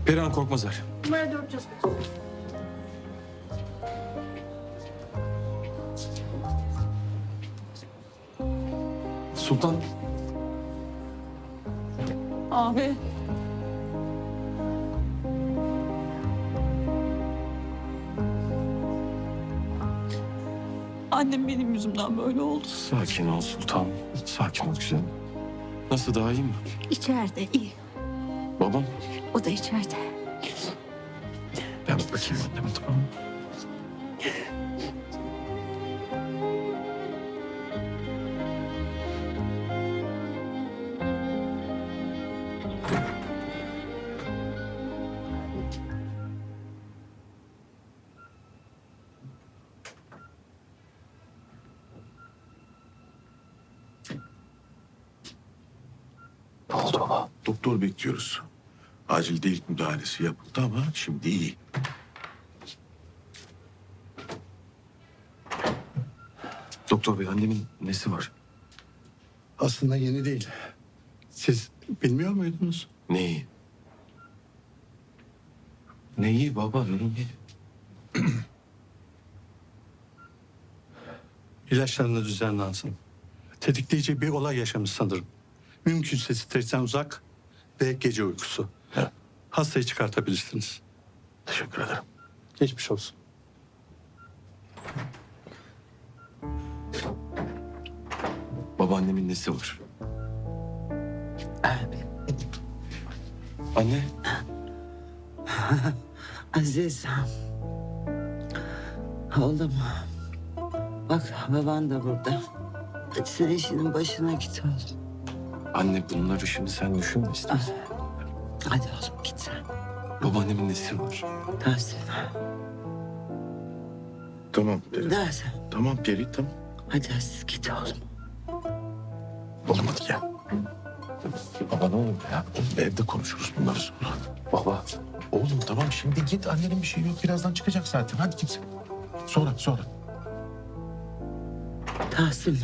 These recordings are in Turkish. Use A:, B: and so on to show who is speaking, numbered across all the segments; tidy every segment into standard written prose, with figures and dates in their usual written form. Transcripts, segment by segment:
A: Perihan Korkmazar.
B: Numara 405.
A: Sultan.
C: Abi. Annem benim yüzümden böyle oldu.
A: Sakin ol Sultan. Sakin ol güzelim. Nasıl, daha iyi mi?
B: İçeride iyi.
A: Babam?
B: O da içeride.
A: Ben bakayım anneme, tamam mı? Ne oldu baba?
D: Doktor bekliyoruz. Acil delik müdahalesi yapıldı ama şimdi iyi.
A: Doktor bey, annemin nesi var?
E: Aslında yeni değil. Siz bilmiyor muydunuz?
A: Neyi? Neyi baba, neyi?
E: İlaçlarını düzenlensin. Tetikleyici bir olay yaşamış sanırım. Mümkünse stresten uzak ve gece uykusu.
D: He.
E: Hastayı çıkartabilirsiniz.
D: Teşekkür ederim.
E: Geçmiş olsun.
A: Babaannemin nesi var? Anne.
F: Aziz. Oğlum. Bak baban da burada. Hadi sen işinin başına git oğlum.
A: Anne, bunları şimdi sen düşünme istersen.
F: Hadi oğlum git sen.
A: Babaannemin nesi var?
F: Dersin.
D: Tamam Peri.
F: Dersin.
D: Tamam Peri, tamam.
F: Hadi Aziz git oğlum.
D: Oğlum hadi gel.
A: Baba ne oldu ya?
D: Oğlum evde konuşuruz bunları sonra.
A: Baba.
D: Oğlum tamam şimdi git, annenin bir şey yok. Birazdan çıkacak zaten. Hadi git sen. Sonra.
F: Tahsin.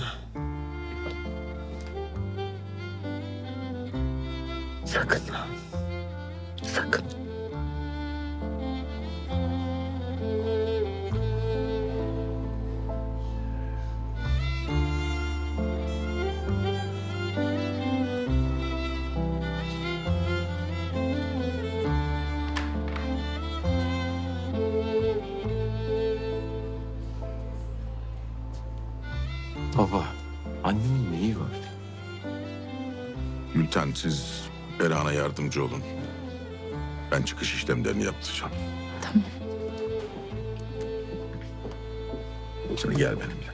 F: Sakın. Sakın.
A: Baba, annemin neyi var?
D: Gülten, siz Perihan'a yardımcı olun. Ben çıkış işlemlerini yaptıracağım.
B: Tamam.
D: Sen gel benimle.